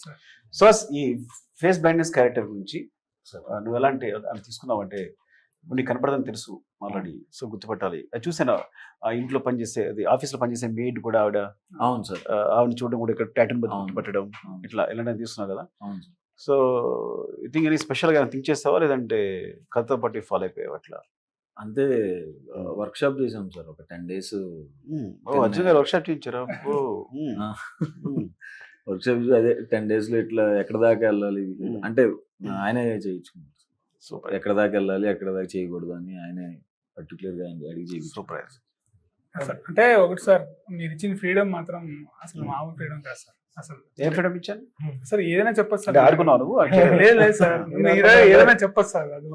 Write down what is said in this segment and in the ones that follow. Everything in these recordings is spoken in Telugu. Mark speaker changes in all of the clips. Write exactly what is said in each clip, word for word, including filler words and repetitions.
Speaker 1: సో ఈ ఫేస్ బ్లైండ్నెస్ క్యారెక్టర్ గురించి నువ్వు ఎలాంటి అని తీసుకున్నావు అంటే నీకు కనపడదని తెలుసు ఆల్రెడీ, సో గుర్తుపట్టాలి. అది చూసాను ఆ ఇంట్లో పనిచేసే అది ఆఫీస్లో పనిచేసే మెయిడ్ కూడా ఆవిడ,
Speaker 2: అవును సార్,
Speaker 1: ఆవిడని చూడడం కూడా ఇక్కడ ప్యాటర్న్ గుర్తుపట్టడం ఇట్లా ఇలాంటివి తీసుకున్నావు కదా. సో ఐ థింక్ ఎనీ స్పెషల్గా థింక్ చేస్తావా లేదంటే కథతో పాటు ఫాలో అయిపోయావు అట్లా?
Speaker 2: అంతే, వర్క్ షాప్ చేసాం సార్ ఒక ten days.
Speaker 1: Arjun garu workshop చేయించారా?
Speaker 2: వర్క్ షాప్ అదే టెన్ డేస్ లో ఇట్లా ఎక్కడ దాకా వెళ్ళాలి అంటే ఆయనే చేయించుకున్నారు.
Speaker 1: సూపర్.
Speaker 2: ఎక్కడ దాకా వెళ్ళాలి ఎక్కడ దాకా చేయకూడదు అని ఆయనే పర్టికులర్ గా అడిగి చేయించు.
Speaker 1: సూపర్.
Speaker 3: అంటే ఒకటి సార్, మీరు ఇచ్చిన ఫ్రీడమ్ మాత్రం అసలు మామూలు ఫ్రీడమ్ కాదు సార్. అసలు
Speaker 1: ఏం ఫ్రీడమ్ ఇచ్చాను
Speaker 3: సార్? ఏదైనా చెప్పచ్చు సార్.
Speaker 1: ఆడుకున్నావు నువ్వు?
Speaker 3: లేదు లేదు సార్, ఏదైనా చెప్పచ్చు సార్. అది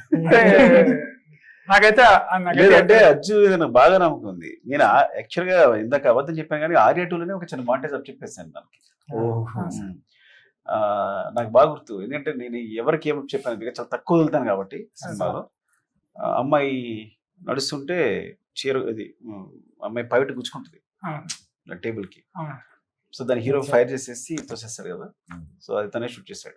Speaker 3: నాకైతే
Speaker 1: అంటే అజ్జు నాకు బాగా నమ్మకం ఉంది. నేను యాక్చువల్ గా ఇందాక అబద్ధం చెప్పాను కానీ ఆర్యా టూలోనే ఒక చిన్న మాంటేజ్ అప్ చెప్పేసాను దానికి. నాకు బాగా గుర్తు, ఎందుకంటే నేను ఎవరికి ఏమో చెప్పాను చాలా తక్కువ వదులుతాను కాబట్టి సినిమాలో. అమ్మాయి నడుస్తుంటే చీర అది అమ్మాయి పైట గుచ్చుకుంటుంది టేబుల్ కి, సో దాని హీరో ఫైర్ చేసేసి తోసేస్తాడు కదా, సో అది తనే షూట్ చేశాడు.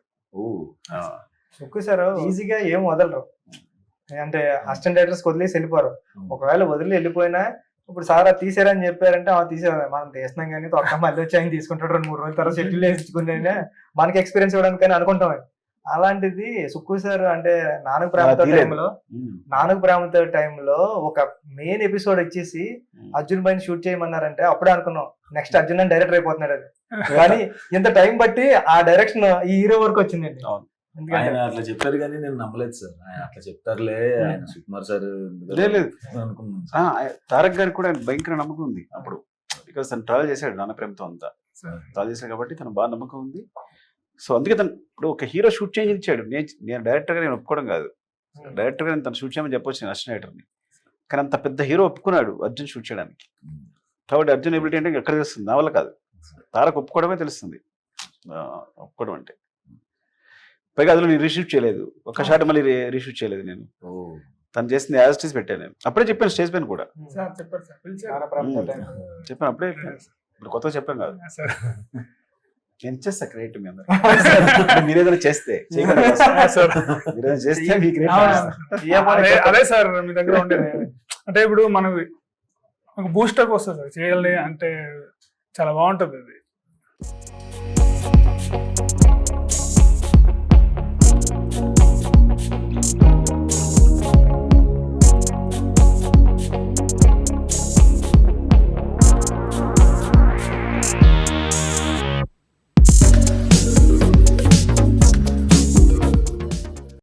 Speaker 4: ఓ సార్ ఈజీగా ఏం వదలరు అంటే అసిస్టెంట్ డైరెక్టర్స్ వదిలేసి వెళ్ళిపోరు. ఒకవేళ వదిలి వెళ్ళిపోయినా ఇప్పుడు సార్ అది తీసారని చెప్పారంటే ఆ తీసారు మనం తీసినాం కానీ తొక్క మళ్ళీ వచ్చి ఆయన తీసుకుంటాడు రెండు మూడు రోజుల తర్వాత షెడ్యూల్ వేసుకునే మనకి ఎక్స్పీరియన్స్ ఇవ్వడానికి అనుకుంటాం. అలాంటిది సుక్కు సార్ అంటే నాన్నకు ప్రేమతో టైంలో నాన్నకు ప్రేమతో టైంలో ఒక మెయిన్ ఎపిసోడ్ వచ్చేసి అర్జున్ పైన షూట్ చేయమన్నారంటే అప్పుడే అనుకున్నాం నెక్స్ట్ అర్జున్ అని డైరెక్టర్ అయిపోతున్నాడు అది. కానీ ఇంత టైం బట్టి ఆ డైరెక్షన్ ఈ హీరో వరకు వచ్చిందండి.
Speaker 2: ఆయన అట్లా చెప్పారు కానీ నేను నమ్మలేదు సార్. ఆయన అట్లా చెప్తారులే ఆయన సుకుమార్ సార్
Speaker 1: అనుకున్నాను. తారక్ గారికి కూడా భయంకర నమ్మకం ఉంది అప్పుడు, బికాస్ తను ట్రావెల్ చేశాడు నాన్న ప్రేమతో అంతా ట్రావెల్ చేశాడు కాబట్టి తను బాగా నమ్మకం ఉంది. సో అందుకే తను ఇప్పుడు ఒక హీరో షూట్ చేంజ్ ఇచ్చాడు. నేను నేను డైరెక్టర్గా నేను ఒప్పుకోవడం కాదు, డైరెక్టర్గా నేను తను షూట్ చేయమని చెప్పొచ్చు నేను అసిస్టెంట్ డైరెక్టర్ని. కానీ అంత పెద్ద హీరో ఒప్పుకున్నాడు అర్జున్ షూట్ చేయడానికి, కాబట్టి అర్జున్ ఎబిలిటీ అంటే ఎక్కడ తెలుస్తుంది, నా వల్ల కాదు, తారక్ ఒప్పుకోవడమే తెలుస్తుంది ఒప్పుకోవడం అంటే. పైగా అందులో నేను రీషూట్ చేయలేదు, ఒక షాట్ మళ్ళీ రీషూట్ చేయలేదు నేను, తను చేసింది యాజ్ స్టేజ్ పెట్టాను. నేను అప్పుడే చెప్పాను స్టేజ్ పైన కూడా చెప్పాను, అప్పుడే ఇప్పుడు కొత్తగా చెప్పాను కాదు. నేను చేస్తా క్రియేట్ మీ అందరూ, మీరు ఏదైనా చేస్తే చేస్తే
Speaker 3: అదే సార్ మీ దగ్గర ఉండేది. అంటే ఇప్పుడు మనకు బూస్టప్ వస్తుంది సార్ చేయాలి అంటే చాలా బాగుంటుంది అది.